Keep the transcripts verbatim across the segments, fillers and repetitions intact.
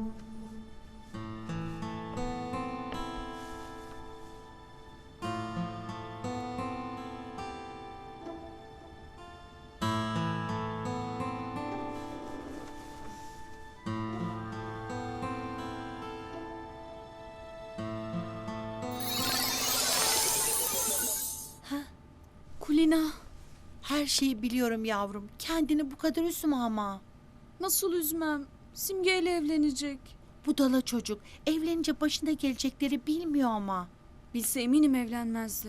Kulina, Her şeyi biliyorum yavrum. Kendini bu kadar üzme ama. nasıl üzmem? Simge ile evlenecek. Budala çocuk. Evlenince başına gelecekleri bilmiyor ama. Bilse eminim evlenmezdi.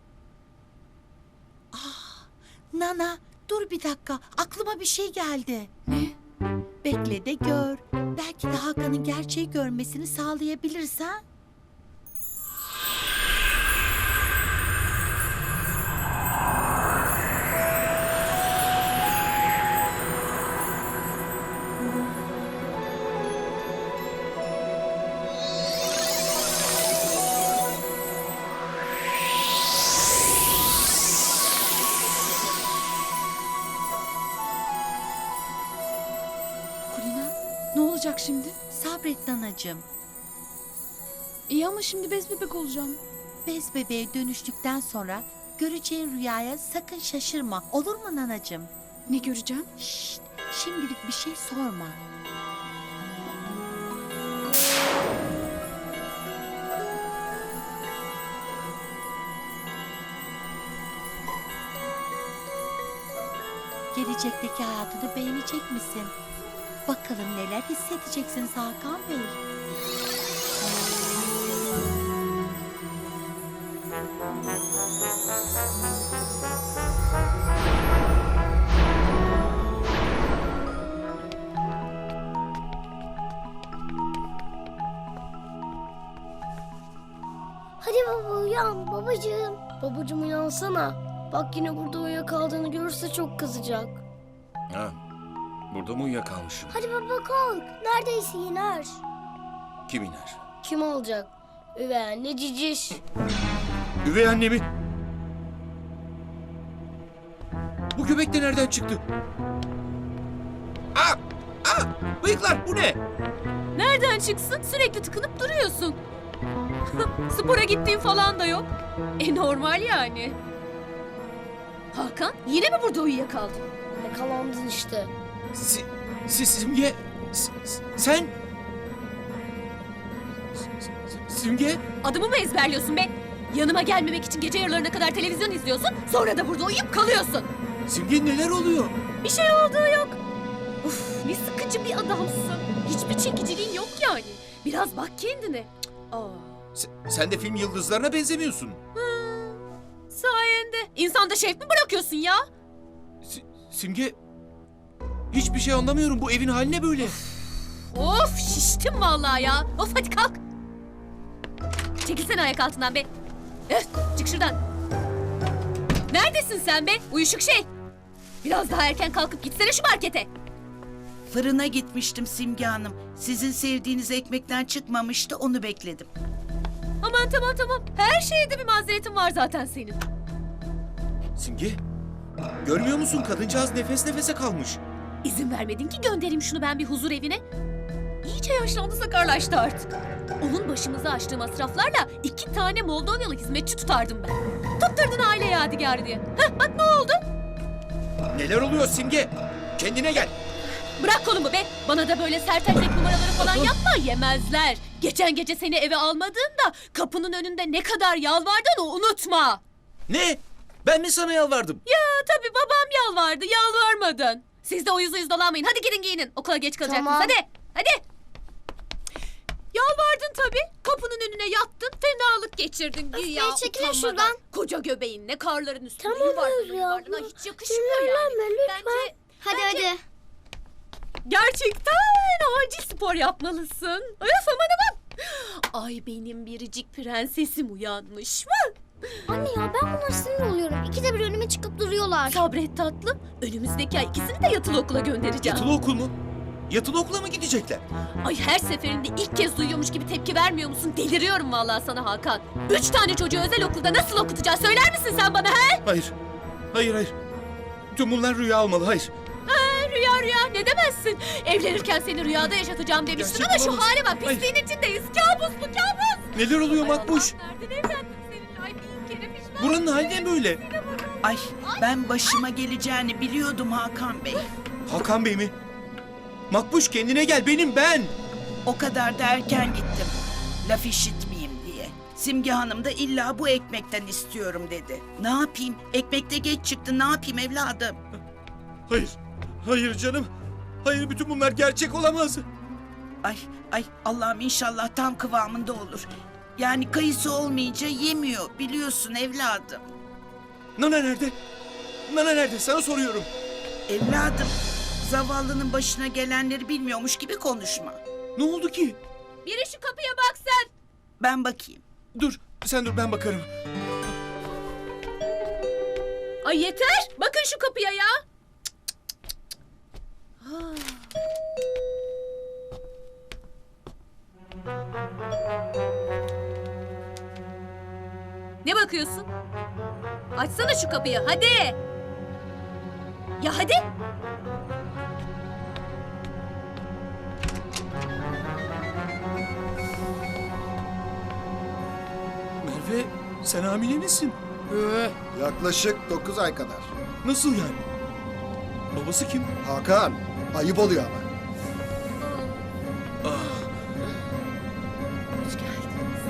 Nana dur bir dakika. Aklıma bir şey geldi. Ne? Bekle de gör. Belki de Hakan'ın gerçeği görmesini sağlayabilirsen. Kulina, ne olacak şimdi? Sabret Nanacığım. İyi ama şimdi bez bebek olacağım. Bez bebeğe dönüştükten sonra göreceğin rüyaya sakın şaşırma. Olur mu Nanacığım? Ne göreceğim? Şşt, şimdilik bir şey sorma. Gelecekteki hayatını beğenecek misin? Bakalım neler hissedeceksiniz Hakan Bey. Hadi baba uyan babacığım. Babacığım uyansana. Bak yine burada uyuyakaldığını görürse çok kızacak. Ha, burada mı uyuyakalmışım? Hadi baba kalk. Neredeyse iner. Kim iner? Kim olacak? Üvey anne ciciş. Üvey annemi. Bu göbek de nereden çıktı? Aa! Aa! Bıyıklar bu ne? Nereden çıksın? Sürekli tıkınıp duruyorsun. Spora gittiğin falan da yok. E normal yani. Hakan, yine mi burada uyuyakaldın? Yakalandın işte. Si, si, Simge. S- s- sen. S- s- Simge. Adımı mı ezberliyorsun be? Yanıma gelmemek için gece yarılarına kadar televizyon izliyorsun, sonra da burada uyuyup kalıyorsun. Simge neler oluyor? Bir şey olduğu yok. Uf, ne sıkıcı bir adamsın. Hiçbir çekiciliğin yok yani. Biraz bak kendine. Aa. S- sen de film yıldızlarına benzemiyorsun. Sayende. İnsanda şevk mi bırakıyorsun ya? Si- Simge. Hiçbir şey anlamıyorum. Bu evin hali ne böyle? Of şiştim vallahi ya. Of hadi kalk. Çekilsene ayak altından be. Öf, çık şuradan. Neredesin sen be? Uyuşuk şey. Biraz daha erken kalkıp gitsene şu markete. Fırına gitmiştim Simge Hanım. Sizin sevdiğiniz ekmekten çıkmamıştı, onu bekledim. Aman tamam tamam. Her şeyde bir mazeretin var zaten senin. Simge. Görmüyor musun? Kadıncağız nefes nefese kalmış. İzin vermedin ki göndereyim şunu ben bir huzur evine. İyice yaşlandı, sakarlaştı artık. Onun başımıza açtığı masraflarla iki tane Moldovyalı hizmetçi tutardım ben. Tutturdun aile yadigarı diye. Heh, bak ne oldu? Neler oluyor Simge? Kendine gel. Bırak kolumu be. Bana da böyle sert erkek numaraları falan yapma, yemezler. Geçen gece seni eve almadığımda kapının önünde ne kadar yalvardığını unutma. Ne? Ben mi sana yalvardım? Ya tabii babam yalvardı, yalvarmadın. Siz de o yüzü yüz dolanmayın. Hadi gidin giyinin. Okula geç kalacaksınız. Tamam. Hadi. Hadi. Yalvardın tabii. Kapının önüne yattın. Fenalık geçirdin. Güya Öf, çekilin utanmadan. şuradan. Koca göbeğinle karların üstünde Tamam yuvarlanır Özlem yuvarlanır. abla. Hiç yakışmıyor yani. Sinirlenme lütfen. Bence Hadi Bence- hadi. gerçekten acil spor yapmalısın. Öf aman aman. Ay benim biricik prensesim uyanmış mı? Anne ya ben bunlara sinir oluyorum. İkide bir önüme çıkıp duruyorlar. Sabret tatlım. Önümüzdeki ay ikisini de yatılı okula göndereceğim. Yatılı okul mu? Yatılı okula mı gidecekler? Ay her seferinde ilk kez duyuyormuş gibi tepki vermiyor musun? Deliriyorum vallahi sana Hakan. Üç tane çocuğu özel okulda nasıl okutacağız söyler misin sen bana he? Hayır. Hayır hayır. Tüm bunlar rüya olmalı. Hayır. Ha, rüya var ya? Ne demezsin? Evlenirken seni rüyada yaşatacağım demiştin Gerçek ama şu olamaz. hale bak. Hayır. Pisliğin içindeyiz. Kabus bu kabus. Neler oluyor Ay Makbuş? Allah, nereden evlendim seninle? Ay bin kere pişman. Buranın hali ne böyle? Ay ben başıma geleceğini biliyordum Hakan Bey. Hakan Bey mi? Makbuş kendine gel, benim ben. O kadar da erken gittim. Laf işitmeyeyim diye. Simge Hanım da illa bu ekmekten istiyorum dedi. Ne yapayım? Ekmekte geç çıktı. Ne yapayım evladım? Hayır, hayır canım. Hayır, bütün bunlar gerçek olamaz. Ay ay Allah'ım inşallah tam kıvamında olur. Yani kayısı olmayınca yemiyor biliyorsun evladım. Nana nerede? Nana nerede? Sana soruyorum. Evladım zavallının başına gelenleri bilmiyormuş gibi konuşma. Ne oldu ki? Biri şu kapıya bak sen. Ben bakayım. Dur, sen dur, ben bakarım. Ay yeter. Bakın şu kapıya ya. Ne bakıyorsun? Açsana şu kapıyı hadi. Ya hadi. Merve, sen hamile misin? Yaklaşık dokuz ay kadar. Nasıl yani? Babası kim? Hakan, ayıp oluyor ama. Ah, Hoş geldiniz.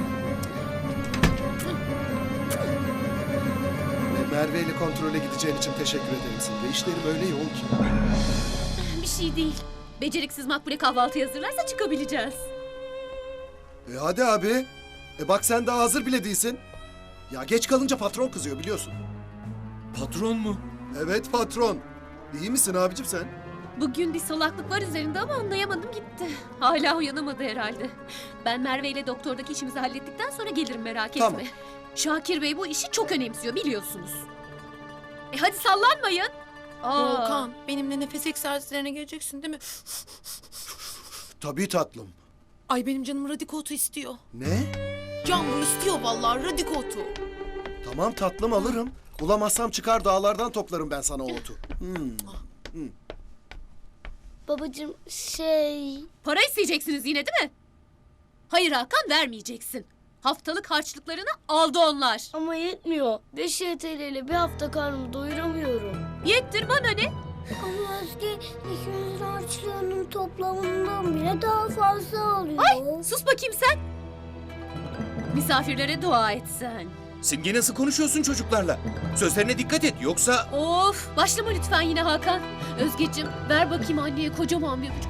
Ve Merve ile kontrole gideceğin için teşekkür ederim Simge. İşlerim öyle yoğun ki. Bir şey değil. Beceriksiz Makbule kahvaltı hazırlarsa çıkabileceğiz. E hadi abi. E bak sen daha hazır bile değilsin. Ya geç kalınca patron kızıyor biliyorsun. patron mu? Evet patron. İyi misin abicim sen? Bugün bir salaklık var üzerinde ama anlayamadım gitti. Hala uyanamadı herhalde. Ben Merve ile doktordaki işimizi hallettikten sonra gelirim merak etme. Tamam. Şakir Bey bu işi çok önemsiyor biliyorsunuz. E hadi sallanmayın. Aa. Volkan, benimle nefes egzersizlerine geleceksin değil mi? Tabii tatlım. Ay benim canım radikotu istiyor. Ne? Can bu istiyor vallahi radikotu. Tamam tatlım alırım. Bulamazsam çıkar dağlardan toplarım ben sana o otu. Hmm. Babacığım şey... Para isteyeceksiniz yine değil mi? Hayır Hakan vermeyeceksin. Haftalık harçlıklarını aldı onlar. Ama yetmiyor. beş Y T L ile bir hafta karnımı doyuramıyorum. Yettir bana ne? Ama Özge ikimizin harçlığının toplamından bile daha fazla alıyor. Ay sus bakayım sen. Misafirlere dua et sen. Simge, nasıl konuşuyorsun çocuklarla? Sözlerine dikkat et, yoksa... Of başlama lütfen yine Hakan. Özgeciğim ver bakayım anneye kocaman bir öpücük.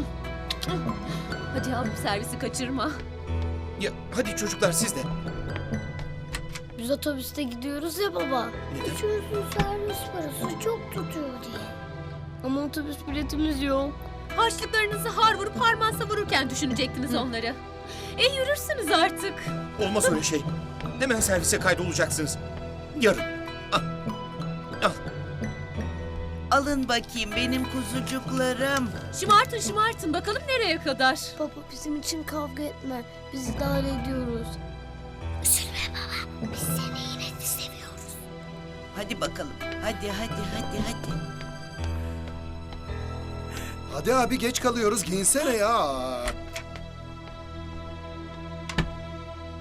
Hadi yavrum servisi kaçırma. Ya hadi çocuklar, siz de. Biz otobüste gidiyoruz ya baba. Neden? Üçümüzün servis parası çok tutuyor diye. Ama otobüs biletimiz yok. Harçlıklarınızı har vurup harman savururken düşünecektiniz onları. E yürürsünüz artık. Olmaz öyle şey. Hemen servise kaydolacaksınız. Yarın. Al. Al. Alın bakayım benim kuzucuklarım. Şımartın şımartın bakalım nereye kadar. Baba bizim için kavga etme. Biz idare ediyoruz. Hadi bakalım. Hadi hadi hadi hadi. Hadi abi geç kalıyoruz giyinsene ya.